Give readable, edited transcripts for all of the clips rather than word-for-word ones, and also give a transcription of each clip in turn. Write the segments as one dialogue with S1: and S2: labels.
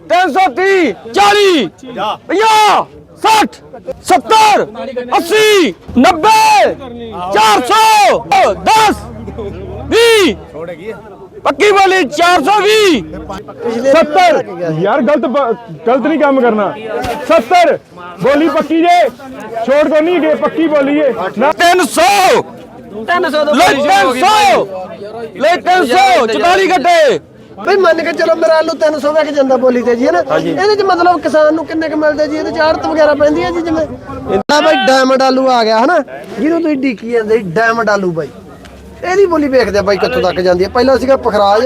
S1: 330 40 50 60 70 80 90 400 10 20 पक्की बोली 420
S2: 70 यार गलत नहीं काम करना 70 बोली पक्की जे छोड़ को नहीं गए पक्की बोली है
S1: 300 ले 300 44 घंटे
S3: ਬਈ ਮੰਨ ਕੇ ਚਲੋ ਮੇਰਾ ਆਲੂ 300 ਵਿਕ ਜਾਂਦਾ ਬੋਲੀ ਤੇ ਜੀ ਹੈ ਨਾ ਇਹਦੇ ਚ ਮਤਲਬ ਕਿਸਾਨ ਨੂੰ ਕਿੰਨੇ ਕ ਮਿਲਦੇ ਜੀ ਇਹਦੇ ਚ ਆੜਤ ਵਗੈਰਾ ਪੈਂਦੀ ਹੈ ਜੀ ਜਿਵੇਂ ਇਹਦਾ ਬਈ ਡਾਇਮੰਡ ਆਲੂ ਆ ਗਿਆ ਹਨਾ ਜਿਹਨੂੰ ਤੁਸੀਂ ਡੀਕੀ ਜਾਂਦੇ ਡਾਇਮੰਡ ਆਲੂ ਬਾਈ ਇਹਦੀ ਬੋਲੀ ਵੇਖਦੇ ਆ ਬਾਈ ਕਿੱਥੋਂ ਤੱਕ ਜਾਂਦੀ ਹੈ ਪਹਿਲਾਂ ਸੀਗਾ ਪਖਰਾਜ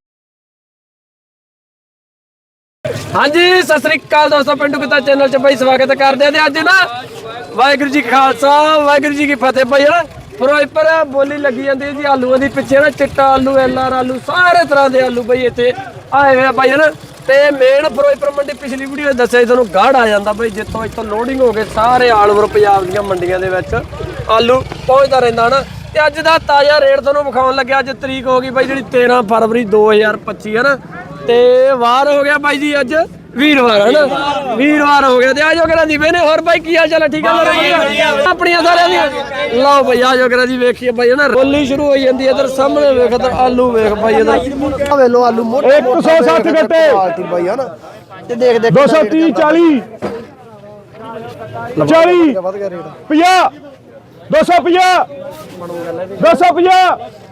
S4: ਹਾਂਜੀ ਸਤਿ ਸ੍ਰੀ ਅਕਾਲ ਦੋਸਤੋ ਪਿੰਡੂ ਕਿੱਤਾ ਚੈਨਲ 'ਚ ਬਾਈ ਸਵਾਗਤ ਕਰਦੇ ਆ ਤੇ ਅੱਜ ਨਾ ਵਾਹਿਗੁਰੂ ਜੀ ਖਾਲਸਾ ਵਾਹਿਗੁਰੂ ਜੀ ਕੀ ਫਤਿਹ ਬਾਈ ਹਨਾ ਫਿਰੋਜ਼ਪੁਰ ਬੋਲੀ ਲੱਗੀ ਜਾਂਦੀ ਹੈ ਜੀ ਆਲੂਆਂ ਦੀ ਪਿੱਛੇ ਨਾ ਚਿੱਟਾ ਆਲੂ ਐਲਆਰ ਆਲੂ ਸਾਰੇ ਤਰ੍ਹਾਂ ਦੇ ਆਲੂ ਬਈ ਇੱਥੇ ਆਏ ਹੋਏ ਆ ਬਾਈ ਹਨਾ ਤੇ ਮੇਨ ਫਿਰੋਜ਼ਪੁਰ ਮੰਡੀ ਪਿਛਲੀ ਵੀਡੀਓ ਦੱਸਿਆ ਤੁਹਾਨੂੰ ਗਾੜ ਆ ਜਾਂਦਾ ਬਈ ਜਿੱਥੋਂ ਇੱਥੋਂ ਲੋਡਿੰਗ ਹੋ ਕੇ ਸਾਰੇ ਆਲ ਓਵਰ ਪੰਜਾਬ ਦੀਆਂ ਮੰਡੀਆਂ ਦੇ ਵਿੱਚ ਆਲੂ ਪਹੁੰਚਦਾ ਰਹਿੰਦਾ ਹਨਾ ਤੇ ਅੱਜ ਦਾ ਤਾਜ਼ਾ ਰੇਟ ਤੁਹਾਨੂੰ ਵਿਖਾਉਣ ਲੱਗਿਆ ਅੱਜ ਤਰੀਕ ਹੋ ਗਈ ਬਾਈ ਜਿਹੜੀ 13 ਫਰਵਰੀ 2025 ਹਨਾ ਤੇ ਵਾਰ ਹੋ ਗਿਆ ਬਾਈ ਜੀ ਅੱਜ ਵੀਰਵਾਰ ਹਨਾ ਵੀਰਵਾਰ ਹੋ ਗਿਆ ਤੇ ਆਜੋ ਕਰਾਂ ਦੀ ਵੇਨੇ ਹੋਰ ਬਾਈ ਕੀ ਹਾਲ ਚਾਲ ਠੀਕ ਹੈ ਆਪਣੀਆਂ ਸਾਰਿਆਂ ਦੀਆਂ ਲਓ ਬਾਈ ਆਜੋ ਕਰਾਂ ਦੀ ਵੇਖੀਏ ਬਾਈ ਹਨਾ ਬੋਲੀ ਸ਼ੁਰੂ ਹੋਈ ਜਾਂਦੀ ਇਧਰ ਸਾਹਮਣੇ ਵੇਖ ਇਧਰ ਆਲੂ ਵੇਖ ਬਾਈ ਇਧਰ
S3: ਵੇ ਲੋ ਆਲੂ ਮੋਟੇ
S2: 160 ਗੱਟੇ
S3: ਕੁਆਲਿਟੀ ਬਾਈ ਹਨਾ ਤੇ ਦੇਖ
S2: 230 40 40 50 250 250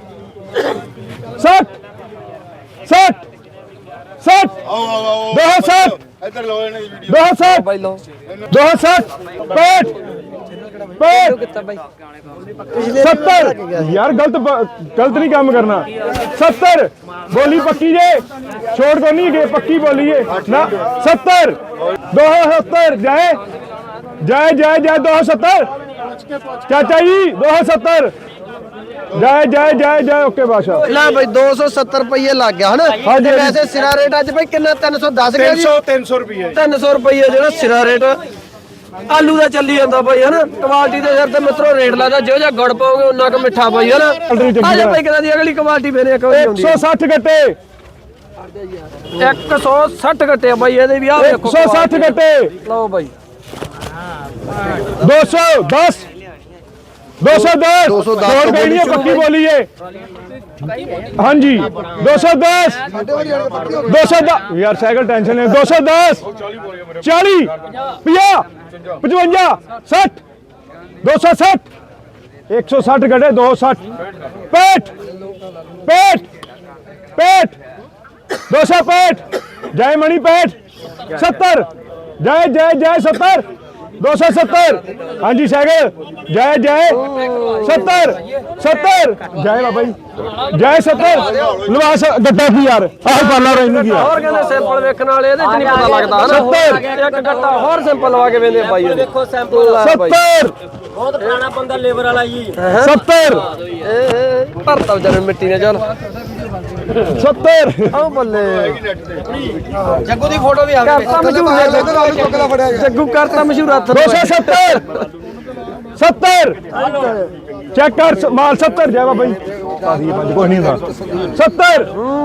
S2: 60 60 60 260
S5: ਇੱਧਰ ਲੋ ਇਹਨੇ ਵੀਡੀਓ
S2: 260
S4: ਬਾਈ ਲਓ
S2: 260 65 65
S4: ਕਿੱਤਾ ਬਾਈ
S2: 70 यार गलत नहीं काम करना 70 बोली पक्की जे छोड़ को नहीं गए पक्की बोली है ना 70 270 जाए जाए जाए जाए 270 चाचा जी 270 जाए जाए जाए जाए ओके बादशाह
S3: ਲੈ ਬਈ 270 ਰੁਪਏ ਲੱਗ ਗਿਆ ਹਨਾ ਤੇ ਵੈਸੇ ਸਿਰਾ ਰੇਟ ਅੱਜ ਬਈ ਕਿੰਨਾ 310 ਗਿਆ ਜੀ
S5: 300 ਰੁਪਏ
S4: 300 ਰੁਪਏ ਜਿਹੜਾ ਸਿਰਾ ਰੇਟ ਆਲੂ ਦਾ ਚੱਲੀ ਜਾਂਦਾ ਬਾਈ ਹਨਾ ਕੁਆਲਿਟੀ ਦੇ ਸਿਰ ਤੇ ਮਿੱਤਰੋ ਰੇਟ ਲੱਗਦਾ ਜਿਹੋ ਜਿਹਾ ਗੁੜ ਪਾਓਗੇ ਉਹਨਾਂ ਕੁ ਮਿੱਠਾ ਬਾਈ ਹਨਾ ਆਜਾ ਬਾਈ ਕਿਹਨਾਂ ਦੀ ਅਗਲੀ ਕੁਆਲਿਟੀ ਮੇਰੇ ਇੱਕ ਵਾਰੀ ਆਉਂਦੀ
S2: 160 गट्टे
S4: 160 ਘੱਟੇ ਬਾਈ ਇਹਦੇ ਵੀ ਆ ਵੇਖੋ
S2: 160 गट्टे
S4: ਲਓ ਬਾਈ
S2: 210 210 छोड़ गई नहीं है पक्की बोली है हाँ जी 210 210 यार साइकिल टेंशन है 210 40 50 55 60 260 160 गड्ढे 260 पेट पेट पेट 265 जय मणि पेट 70 जय जय जय 70 270 हाँ जी साइकिल जय जय 70 70 जय बाबा जी जय 70 लवास गड्ढा की यार आह पाला रही की
S4: ਹੋਰ ਕਹਿੰਦੇ ਸੈਂਪਲ ਵੇਖਣ ਵਾਲੇ ਇਹਦੇ ਚ ਨਹੀਂ ਪਤਾ ਲੱਗਦਾ ਹਨਾ ਇੱਕ ਗੱਟਾ ਹੋਰ ਸੈਂਪਲ ਲਵਾ ਕੇ ਵੇਂਦੇ ਬਾਈ ਦੇਖੋ ਸੈਂਪਲ
S2: 70
S4: ਬਹੁਤ ਪੁਰਾਣਾ ਬੰਦਾ ਲੇਬਰ ਵਾਲਾ ਜੀ
S2: 70
S4: ਭਰਤਾ ਵਿਚਾਰੇ ਮਿੱਟੀ ਨੇ ਚੱਲ
S2: 70
S4: ਆਹ ਬੱਲੇ
S3: ਜੱਗੂ ਦੀ ਫੋਟੋ ਵੀ ਆ
S4: ਗਈ ਜੱਗੂ ਕਰਤਾ ਮਸ਼ਹੂਰ ਹੱਥ
S2: 270 70 चेक कर माल 70 जय बाबा जी कोई नहीं था 70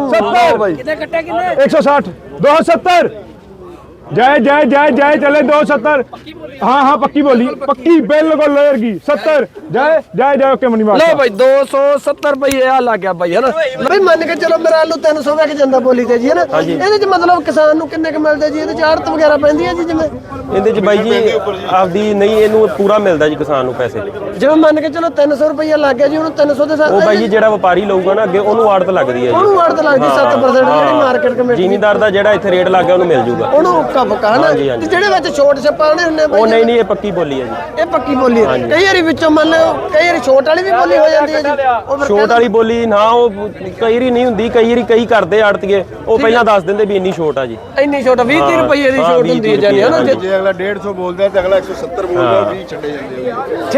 S2: 70 160 270 जय जय जय जय चले 270 हाँ हाँ पक्की बोली पक्की बिल्कुल लेयर की 70 जय जय जय ओके मनी
S4: ਲਓ ਬਾਈ 270 ਰੁਪਏ ਆ ਲੱਗ ਗਿਆ ਬਾਈ ਹਨਾ
S3: ਬਈ ਮੰਨ ਕੇ ਚਲੋ ਮੇਰਾ ਆਲੂ 300 ਵਿਕ ਜਾਂਦਾ ਬੋਲੀ ਤੇ ਜੀ ਹੈ ਨਾ ਇਹਦੇ ਚ ਮਤਲਬ ਕਿਸਾਨ ਨੂੰ ਕਿੰਨੇ ਕ ਮਿਲਦੇ ਜੀ ਇਹਦੇ ਚ ਆੜਤ ਵਗੈਰਾ ਪੈਂਦੀ ਹੈ ਜੀ ਜਿਵੇਂ
S6: ਇਹਦੇ ਚ ਬਾਈ ਜੀ ਆਪਦੀ ਨਹੀਂ ਇਹਨੂੰ ਪੂਰਾ ਮਿਲਦਾ ਜੀ ਕਿਸਾਨ ਨੂੰ ਪੈਸੇ
S3: ਜਿਵੇਂ ਮੰਨ ਕੇ ਚਲੋ 300 ਰੁਪਏ ਲੱਗ ਗਿਆ ਜੀ ਉਹਨੂੰ 300 ਦੇ ਸਾਥ
S6: ਉਹ ਬਾਈ ਜੀ ਜਿਹੜਾ ਵਪਾਰੀ ਲਊਗਾ ਨਾ ਅੱਗੇ ਉਹਨੂੰ ਆੜਤ ਲੱਗਦੀ ਹੈ ਜੀ
S3: ਉਹਨੂੰ ਆੜਤ ਲੱਗਦੀ 7% ਜਿਹੜੀ ਮਾਰਕੀਟ ਕਮੇਟੀ
S6: ਜ਼ਿਮੀਂਦਾਰ ਦਾ ਜਿਹੜਾ ਇੱਥੇ ਰੇਟ ਲੱਗ ਗਿਆ ਉਹਨੂੰ ਮਿਲ ਜੂਗਾ
S3: ਉਹਨੂੰ ਉੱਕਾ ਪੱਕਾ ਹਨਾ ਤੇ ਜਿਹੜੇ ਵਿੱਚ ਛੋਟ ਛਪਾਣੇ ਹੁੰਦੇ
S6: ਉਹ ਨਹੀਂ ਨਹੀਂ ਇਹ ਪੱਕੀ ਬੋਲੀ ਹੈ ਜੀ
S3: ਇਹ ਪੱਕੀ ਬੋਲੀ ਹੈ ਕਈ ਵਾਰੀ ਵਿੱਚੋਂ ਮੰਨ ਲਓ ਕਈ ਵਾਰੀ ਛੋਟ ਵਾਲੀ ਵੀ ਬੋਲੀ ਹੋ ਜਾਂਦੀ ਹੈ ਜੀ ਉਹ ਫਿਰ
S6: ਛੋਟ ਵਾਲੀ ਬੋਲੀ ਨਾ ਉਹ ਕਈ ਵਾਰੀ ਨਹੀਂ ਹੁੰਦੀ ਕਈ ਵਾਰੀ ਕਈ ਕਰਦੇ ਆੜਤੀਏ ਉਹ ਪਹਿਲਾਂ ਦੱਸ ਦਿੰਦੇ ਵੀ ਇੰਨੀ ਛੋਟ ਆ ਜੀ
S4: ਇੰਨੀ ਛੋਟ 20 ਰੁਪਏ ਦੀ ਛੋਟ ਹੁੰਦੀ ਹੈ ਜਾਨੀ ਹਨਾ
S5: ਜੇ ਅਗਲਾ 150 ਬੋਲਦਾ ਤੇ ਅਗਲਾ 170 ਬੋਲਦਾ 20 ਛੱਡੇ ਜਾਂਦੇ
S4: ਠੀਕ ਹੈ ਜੀ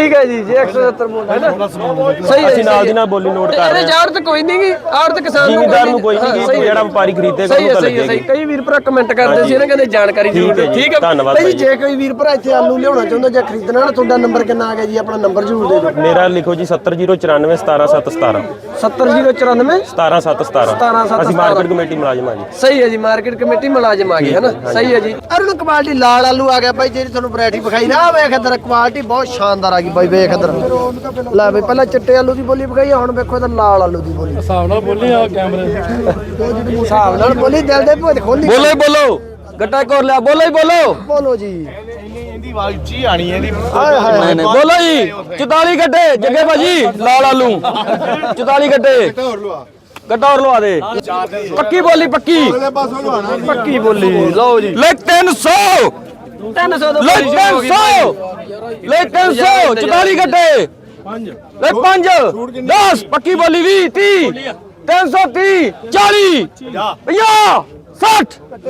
S4: ਜੀ 170 ਬੋਲ ਹੈ ਨਾ ਸਹੀ ਹੈ
S6: ਅਸੀਂ ਨਾਲ ਦੀ ਨਾਲ ਬੋਲੀ ਨੋਟ ਕਰ ਰਹੇ
S4: ਇਹਦੇ ਚਾਰ ਤੇ ਕੋਈ ਨਹੀਂ ਗੀ ਆੜਤ ਕਿਸਾਨ ਨੂੰ
S6: ਜ਼ਿਮੀਂਦਾਰ ਨੂੰ ਕੋਈ ਨਹੀਂ ਗੀ, ਜਿਹੜਾ ਵਪਾਰੀ ਖਰੀਦੇਗਾ
S4: ਸਹੀ ਹੈ
S6: ਉਹਨੂੰ ਤਾਂ
S4: ਸਹੀ ਹੈ ਸਹੀ
S6: ਲੱਗੇਗੀ।
S4: ਕਈ ਵੀਰ ਭਰਾ ਕਮੈਂਟ ਕਰਦੇ ਸੀ ਨਾ ਕਹਿੰਦੇ ਜਾਣਕਾਰੀ ਜ਼ਰੂਰ ਦਿਓ ਠੀਕ ਹੈ
S6: ਧੰਨਵਾਦ
S3: ਭਾਈ
S6: ਭਾਈ
S3: ਜੇ ਕੋਈ ਵੀਰ ਭਰਾ ਇੱਥੇ ਆਲੂ ਲਿਆਉਣਾ ਚਾਹੁੰਦਾ ਜਾਂ ਖਰੀਦਣਾ ਨਾ ਤੁਹਾਡਾ ਨੰਬਰ ਕਿੰਨਾ ਆ ਗਿਆ ਜੀ ਆਪਣਾ ਨੰਬਰ ਜ਼ਰੂਰ ਦੇ ਦਿਓ
S6: ਮੇਰਾ ਲਿਖੋ ਜੀ 70094 17717
S3: 70094
S6: 17717 ਅਸੀਂ ਮਾਰਕੀਟ ਕਮੇਟੀ ਮੁਲਾਜ਼ਮ ਹਾਂ ਜੀ
S4: ਸਹੀ ਹੈ ਜੀ ਮਾਰਕੀਟ ਕਮੇਟੀ ਮੁਲਾਜ਼ਮ ਆ ਗਏ ਹੈ ਨਾ ਸਹੀ ਹੈ ਜੀ
S3: ਅਰੁਣ ਕੁਆਲਿਟੀ ਲਾਲ ਆਲੂ ਆ ਗਿਆ ਬਾਈ ਜਿਹੜੀ ਤੁਹਾਨੂੰ ਵੈਰਾਈਟੀ ਵਿਖਾਈ ਨਾ ਵੇਖ ਇੱਧਰ ਕੁਆਲਿਟੀ ਬਹੁਤ ਸ਼ਾਨਦਾਰ ਆ ਗਈ ਬਾਈ ਵੇਖ ਇੱਧਰ ਲੈ ਬਈ ਪਹਿਲਾਂ ਚਿੱਟੇ ਆਲੂ ਦੀ ਬੋਲੀ ਵਿਖਾਈ ਹੁਣ ਵੇਖੋ ਇੱਧਰ ਲਾਲ ਆਲੂ ਦੀ ਬੋਲੀ
S2: ਹਿਸਾਬ ਨਾਲ ਬੋਲੀ ਆ ਕੈਮਰੇ
S3: ਹਿਸਾਬ ਨਾਲ ਬੋਲੀ ਦਿਲ ਦੇ ਭੁੱਜ ਖੋਲੀ
S1: ਬੋਲੋ ਹੀ ਬੋਲੋ ਗੱਟਾ ਕੋਰ ਲਿਆ ਬੋਲੋ ਹੀ ਬੋਲੋ
S3: ਬੋਲੋ ਜੀ
S5: ਇਹਦੀ ਆਵਾਜ਼ ਉੱਚੀ ਆਣੀ ਇਹਦੀ
S3: ਹਾਏ ਹਾਏ
S1: ਨਹੀਂ ਨਹੀਂ ਬੋਲੋ ਜੀ 44 ਗੱਟੇ ਜੱਗੇ ਭਾਜੀ ਲਾਲ ਆਲੂ 44 ਗੱਟੇ
S5: ਹੋਰ ਲਵਾ
S1: ਗੱਟਾ ਹੋਰ ਲਵਾ ਦੇ ਪੱਕੀ ਬੋਲੀ ਪੱਕੀ
S5: ਅਗਲੇ ਪਾਸੋਂ ਲਵਾਣਾ
S1: ਪੱਕੀ ਬੋਲੀ ਲਓ ਜੀ ਲੈ 300
S4: 300 ਤੋਂ
S1: ਲੈ 300 ਲੈ 300 44 ਗੱਟੇ 5 ਲੈ 5 10 ਪੱਕੀ ਬੋਲੀ 20 30 330 40 50 60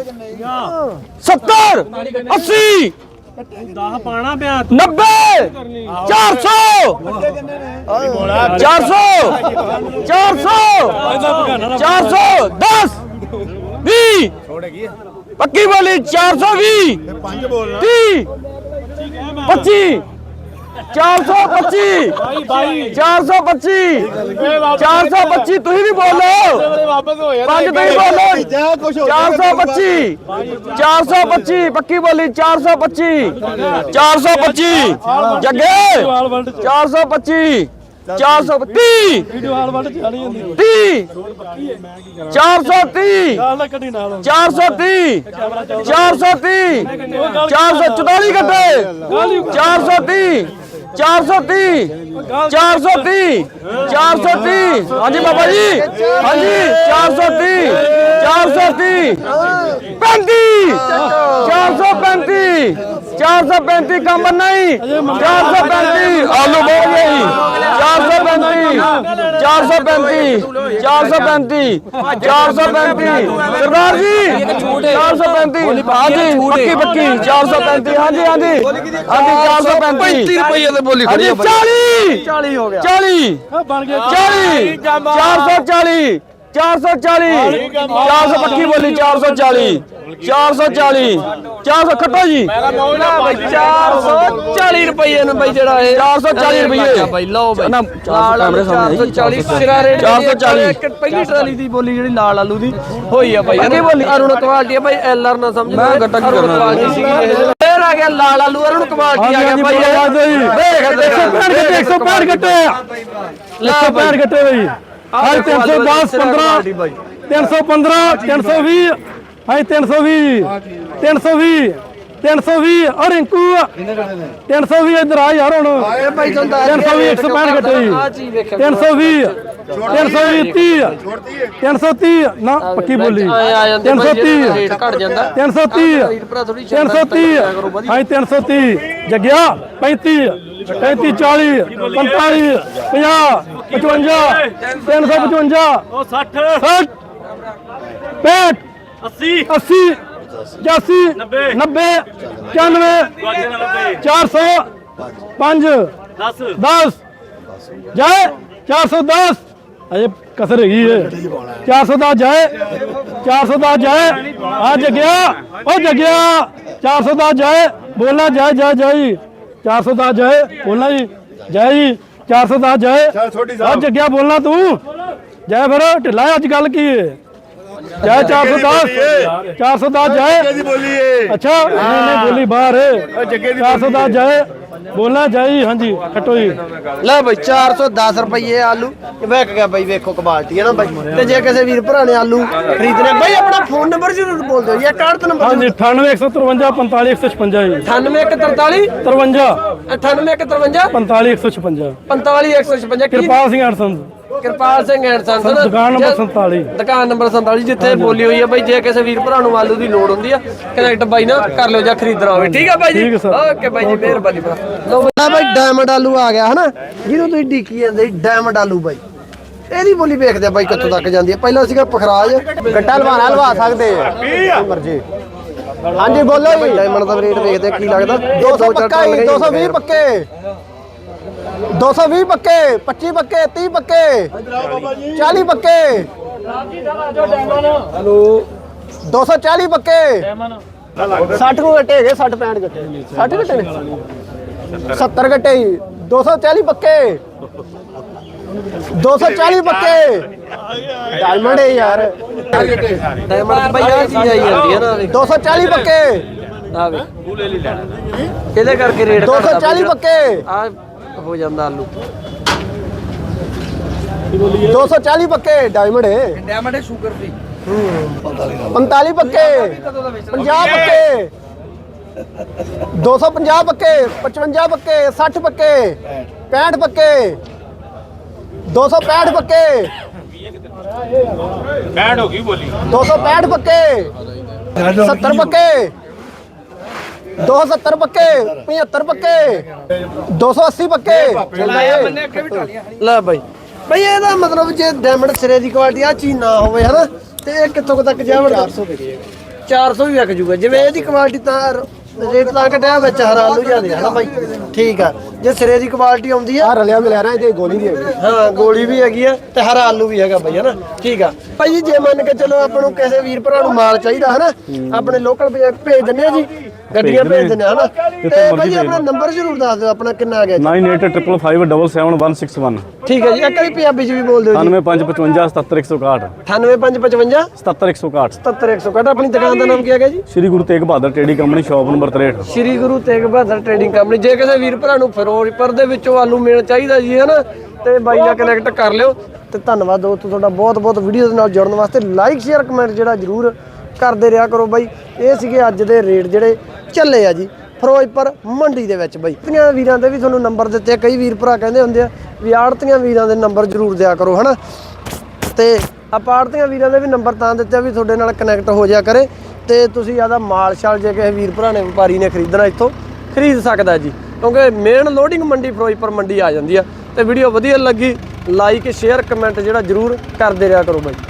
S1: 70 80 10 ਪਾਣਾ ਪਿਆ 90 400 400 400 10 20 ਪੱਕੀ ਬੋਲੀ 420
S5: ਪੰਜ ਬੋਲਣਾ
S1: 30 25 425 425 425 ਤੁਸੀਂ ਵੀ ਬੋਲੋ
S5: ਵਾਪਸ ਹੋ ਯਾਰ
S1: ਪੰਜ ਤੁਸੀਂ ਬੋਲੋ
S5: ਜਾ ਕੁਛ ਹੋ
S1: 425 425 ਪੱਕੀ ਬੋਲੀ 425 425 ਜੱਗੇ 425 430 30 430 430 430 444 ਗੱਟੇ 430 430 430 430 ਹਾਂਜੀ ਬਾਬਾ ਜੀ ਹਾਂਜੀ 430 430 35 435 435 ਕੰਮ ਨਹੀਂ 435 ਆਲੂ ਬਹੁਤ ਗਈ 435 435 435 435 ਸਰਦਾਰ ਜੀ 435 ਹਾਂਜੀ ਪੱਕੀ ਪੱਕੀ 435 ਹਾਂਜੀ ਹਾਂਜੀ ਹਾਂਜੀ 435
S4: 35 ਰੁਪਏ ਦੇ ਬੋਲੀ
S1: ਹਾਂਜੀ 40
S3: 40 ਹੋ ਗਿਆ
S1: 40
S2: ਬਣ ਗਿਆ
S1: 40 440 440 400 ਪੱਕੀ ਬੋਲੀ 440 440 400 ਖੱਟੋ ਜੀ
S4: 440 ਰੁਪਏ ਨੂੰ ਬਈ ਜਿਹੜਾ ਇਹ
S1: 440 ਰੁਪਏ
S4: ਬਈ ਲਓ ਬਈ
S1: ਨਾ ਕੈਮਰੇ ਸਾਹਮਣੇ
S4: 440 ਸਿਰਾ ਰੇਟ
S1: 440
S4: ਪਹਿਲੀ ਟਰਾਲੀ ਦੀ ਬੋਲੀ ਜਿਹੜੀ ਲਾਲ ਆਲੂ ਦੀ ਹੋਈ ਆ ਬਾਈ
S1: ਅੱਗੇ ਬੋਲੀ।
S4: ਅਰੁਣ ਕੁਆਲਿਟੀ ਆ ਬਾਈ ਐਲਆਰ ਨਾ ਸਮਝ
S1: ਮੈਂ ਗੱਟਾ ਕੀ ਕਰਨਾ?
S4: ਕੁਆਲਿਟੀ ਸੀਗੀ ਇਹ ਫੇਰ ਆ ਗਿਆ ਲਾਲ ਆਲੂ ਅਰੁਣ ਕੁਆਲਿਟੀ ਆ ਗਿਆ ਬਾਈ
S1: ਦੇਖ
S2: 165 ਗੱਟੇ 165 ਗੱਟੇ ਬਈ ਹਾਂ 310 15 315 320 ਹਾਂ 320 320 320 ਔਰ ਰਿੰਕੂ 320 ਇਧਰ ਆ ਯਾਰ ਹੁਣ
S3: ਇਹ ਭਾਈ ਤੁਹਾਨੂੰ
S2: 320 165 ਗੱਟੇ
S4: ਆ ਚੀਜ਼ ਵੇਖਿਆ
S2: 320 320 330 ਨਾ ਪੱਕੀ ਬੋਲੀ
S4: ਆ ਜਾਂਦੇ ਬਾਈ
S2: 330
S4: ਰੇਟ ਘਟ ਜਾਂਦਾ
S2: 330
S4: ਰੀਡ ਭਰਾ ਥੋੜੀ
S2: 330 ਹਾਂ 330 ਜਗਿਆ 35 35 40 45 50 55 355 ਉਹ 60 60 65 80 85 90 95 400 5 10 ਜਾਏ 410 ਅਜੇ ਕਸਰ ਹੈਗੀ ਏ 410 ਜਾਏ 410 ਜਾਏ ਆ ਜਗਿਆ ਉਹ ਜਗਿਆ 410 ਜਾਏ ਬੋਲਣਾ ਜਾਏ ਜਾਏ ਜਾਈ 410 ਜਾਏ ਬੋਲਣਾ ਜੀ ਜਾਏ ਜੀ 410 ਜਾਏ ਆ ਜਗਿਆ ਬੋਲਣਾ ਤੂੰ ਜਾਏ ਫਿਰ ਢਿੱਲਾ ਅੱਜ ਗੱਲ ਕੀ ਏ ਜਾਏ 410 410 ਜਾਏ
S5: ਦੀ ਬੋਲੀ ਏ
S2: ਅੱਛਾ ਨਹੀਂ ਨਹੀਂ ਬੋਲੀ ਬਾਹਰ ਹੈ 410 ਜਾਏ ਬੋਲਣਾ ਜਾਈ ਹਾਂਜੀ ਖੱਟੋ ਜੀ
S3: ਲੈ ਬਈ 410 ਰੁਪਏ ਆਲੂ ਵੇਖ ਗਿਆ ਬਈ ਵੇਖੋ ਕੁਆਲਿਟੀ ਹੈ ਨਾ ਬਾਈ ਤੇ ਜੇ ਕਿਸੇ ਵੀਰ ਭਰਾ ਨੇ ਆਲੂ ਖਰੀਦਣੇ ਬਈ ਆਪਣਾ ਫੋਨ ਨੰਬਰ ਜ਼ਰੂਰ ਬੋਲ ਦਿਓ ਜਾਂ ਕਾਰਡ ਨੰਬਰ
S2: ਹਾਂਜੀ 98 153 45 156 ਜੀ
S4: 9843
S2: 53
S4: 9853
S2: 45 156
S4: 45156
S2: ਕਿਰਪਾਲ ਸਿੰਘ ਅਰਸਨ
S4: ਕਿਰਪਾਲ ਸਿੰਘ ਐਂਡ ਸੰਸ
S2: ਦੁਕਾਨ ਨੰਬਰ 47
S4: ਦੁਕਾਨ ਨੰਬਰ 47 ਜਿੱਥੇ ਬੋਲੀ ਹੋਈ ਹੈ ਬਾਈ ਜੇ ਕਿਸੇ ਵੀਰ ਭਰਾ ਨੂੰ ਆਲੂ ਦੀ ਲੋੜ ਹੁੰਦੀ ਆ ਕਨੈਕਟ ਬਾਈ ਨਾਲ ਕਰ ਲਿਓ ਜਾਂ ਖਰੀਦਣਾ ਹੋਵੇ ਠੀਕ ਆ ਬਾਈ ਜੀ
S2: ਠੀਕ ਹੈ ਸਰ।
S4: ਓਕੇ ਬਾਈ ਜੀ ਮਿਹਰਬਾਨੀ ਭਰਾ ਲਓ ਬਾਈ।
S3: ਲੈ ਬਾਈ ਡਾਇਮੰਡ ਆਲੂ ਆ ਗਿਆ ਹਨਾ ਜਿਹਨੂੰ ਤੁਸੀਂ ਡੀਕੀ ਜਾਂਦੇ ਸੀ ਡਾਇਮੰਡ ਆਲੂ ਬਾਈ ਇਹਦੀ ਬੋਲੀ ਵੇਖਦੇ ਆ ਬਾਈ ਕਿੱਥੋਂ ਤੱਕ ਜਾਂਦੀ ਹੈ ਪਹਿਲਾਂ ਸੀਗਾ ਪਖਰਾਜ ਗੱਟਾ ਲਵਾ ਸਕਦੇ ਆ ਮਰਜੀ ਹਾਂਜੀ ਬੋਲੋ ਜੀ ਡਾਇਮੰਡ ਦਾ ਰੇਟ ਵੇਖਦੇ ਆ ਕੀ ਲੱਗਦਾ 200 ਪੱਕਾ 220 ਪੱਕੇ 220 ਪੱਕੇ 25 ਪੱਕੇ 30 ਪੱਕੇ 40 ਪੱਕੇ
S4: ਹਲੋ
S3: 240 ਪੱਕੇ 60 ਨੂੰ ਗੱਟੇ ਹੈਗੇ 60 65 ਗੱਟੇ 60 ਗੱਟੇ ਨੇ 70 ਗੱਟੇ 240 ਪੱਕੇ 240 ਪੱਕੇ ਡਾਇਮੰਡ ਹੈ ਯਾਰ
S4: ਡਾਇਮੰਡ ਬਈ ਆ ਚੀਜ਼ ਆਈ ਜਾਂਦੀ ਹੈ ਨਾ
S3: 240 ਪੱਕੇ
S4: ਆ ਵੇ ਇਹਦੇ ਕਰਕੇ ਰੇਟ
S3: 240 ਪੱਕੇ
S4: ਆ ਹੋ ਜਾਂਦਾ ਆਲੂ
S3: 240 ਪੱਕੇ ਡਾਇਮੰਡ ਹੈ
S4: ਡਾਇਮੰਡ ਸ਼ੂਗਰ ਫ੍ਰੀ
S3: 45 ਪੱਕੇ 50 ਪੱਕੇ 250 ਪੱਕੇ 55 ਪੱਕੇ 60 ਪੱਕੇ 65 ਪੱਕੇ 265 ਪੱਕੇ
S5: ਬੈਂਡ ਹੋ ਗਈ ਬੋਲੀ
S3: 265 ਪੱਕੇ 70 ਪੱਕੇ 270 ਪੱਕੇ 75 ਪੱਕੇ 280 ਪੱਕੇ
S4: ਲੈ ਬਾਈ
S3: ਬਈ ਇਹਦਾ ਮਤਲਬ ਜੇ ਡਾਇਮੰਡ ਸਿਰੇ ਦੀ ਕੁਆਲਿਟੀ ਆ ਚੀਜ਼ ਨਾ ਹੋਵੇ ਹਨਾ ਤੇ ਇਹ ਕਿੱਥੋਂ ਕੁ ਤੱਕ ਜਾਵੜ 400 ਵੀ ਵਿਕ ਜੂਗਾ ਜਿਵੇਂ ਇਹਦੀ ਕੁਆਲਿਟੀ ਤਾਂ ਰੇਟ ਲਾ ਕੇ ਡਿਆ ਵਿੱਚ ਹਰਾ ਆਲੂ ਜਾਂਦੇ ਹਨਾ ਬਾਈ ਠੀਕ ਆ ਜੇ ਸਿਰੇ ਦੀ ਕੁਆਲਿਟੀ ਆਉਂਦੀ ਆ ਰਲਿਆ ਮਿਲਿਆ ਨਾ ਇਹਦੇ ਗੋਲੀ ਵੀ ਹੈਗੀ ਹਾਂ ਗੋਲੀ ਵੀ ਹੈਗੀ ਆ ਤੇ ਹਰਾ ਆਲੂ ਵੀ ਹੈਗਾ ਬਾਈ ਹਨਾ ਠੀਕ ਆ ਭਾਈ ਜੀ ਜੇ ਮੰਨ ਕੇ ਚਲੋ ਆਪਾਂ ਨੂੰ ਕਿਸੇ ਵੀਰ ਭਰਾ ਨੂੰ ਮਾਲ ਚਾਹੀਦਾ ਹਨਾ ਆਪਣੇ ਲੋਕਲ ਭੇਜ ਦਿੰਦੇ ਆ ਜੀ ਗੱਡੀਆਂ ਭੇਜ ਦਿੰਦੇ ਆ ਹਨਾ ਤੇ ਭਾਈ ਆਪਣਾ ਨੰਬਰ ਜ਼ਰੂਰ ਦੱਸ ਦਿਓ ਆਪਣਾ ਕਿੰਨਾ ਆ ਗਿਆ ਜੀ
S2: 9855577161
S3: ਠੀਕ ਹੈ ਜੀ ਇੱਕ ਵਾਰੀ ਪੰਜਾਬੀ ਚ ਵੀ ਬੋਲ ਦਿਓ ਜੀ
S2: 9555
S3: 98555
S2: 77161
S3: 70161 ਆਪਣੀ ਦੁਕਾਨ ਦਾ ਨਾਮ ਕੀ ਹੈਗਾ ਜੀ
S2: Shri Guru Tegh Bahadur trading company shop number 63
S3: Shri Guru Tegh Bahadur trading company ਜੇ ਕਿਸੇ ਵੀਰ ਭਰਾ ਨੂੰ ਫਿਰੋਜ਼ਪੁਰ ਦੇ ਵਿੱਚੋਂ ਆਲੂ ਮਿਲ ਚਾਹੀਦਾ ਜੀ ਹੈ ਨਾ ਤੇ ਬਾਈ ਨਾਲ ਕਨੈਕਟ ਕਰ ਲਿਓ ਤੇ ਧੰਨਵਾਦ ਦੋਸਤੋ ਤੁਹਾਡਾ ਬਹੁਤ ਬਹੁਤ ਵੀਡੀਓ ਦੇ ਨਾਲ ਜੁੜਨ ਵਾਸਤੇ ਲਾਈਕ ਸ਼ੇਅਰ ਕਮੈਂਟ ਜਿਹੜਾ ਜ਼ਰੂਰ ਕਰਦੇ ਰਿਹਾ ਕਰੋ ਬਾਈ ਇਹ ਸੀਗੇ ਅੱਜ ਦੇ ਰੇਟ ਜਿਹੜੇ ਚੱਲੇ ਆ ਜੀ ਫਿਰੋਜ਼ਪੁਰ ਮੰਡੀ ਦੇ ਵਿੱਚ ਬਾਈ ਆੜਤੀਆਂ ਵੀਰਾਂ ਦੇ ਵੀ ਤੁਹਾਨੂੰ ਨੰਬਰ ਦਿੱਤੇ ਆ ਕਈ ਵੀਰ ਭਰਾ ਕਹਿੰਦੇ ਹੁੰਦੇ ਆ ਵੀ ਆੜਤੀਆਂ ਵੀਰਾਂ ਦੇ ਨੰਬਰ ਜ਼ਰੂਰ ਦਿਆ ਕਰੋ ਹਨਾ ਤੇ ਆਪਾਂ ਆੜਤੀਆਂ ਵੀਰਾਂ ਦੇ ਵੀ ਨੰਬਰ ਤਾਂ ਦਿੱਤੇ ਵੀ ਤੁਹਾਡੇ ਨਾਲ ਕਨੈਕਟ ਹੋ ਜਾ ਕਰੇ ਤੇ ਤੁਸੀਂ ਆਦਾ ਮਾਲ ਸ਼ਾਲ ਜੇ ਕਿਸੇ ਵੀਰ ਭਰਾ ਨੇ ਵਪਾਰੀ ਨੇ ਖਰੀਦਣਾ ਇੱਥੋਂ ਖਰੀਦ ਸਕਦਾ ਜੀ ਕਿਉਂਕਿ ਮੇਨ ਲੋਡਿੰਗ ਮੰਡੀ ਫਿਰੋਜ਼ਪੁਰ ਮੰਡੀ ਆ ਜਾਂਦੀ ਆ ਤੇ ਵੀਡੀਓ ਵਧੀਆ ਲੱਗੀ ਲਾਈਕ ਸ਼ੇਅਰ ਕਮੈਂਟ ਜਿਹੜਾ ਜ਼ਰੂਰ ਕਰਦੇ ਰਿਹਾ ਕਰੋ ਬਾਈ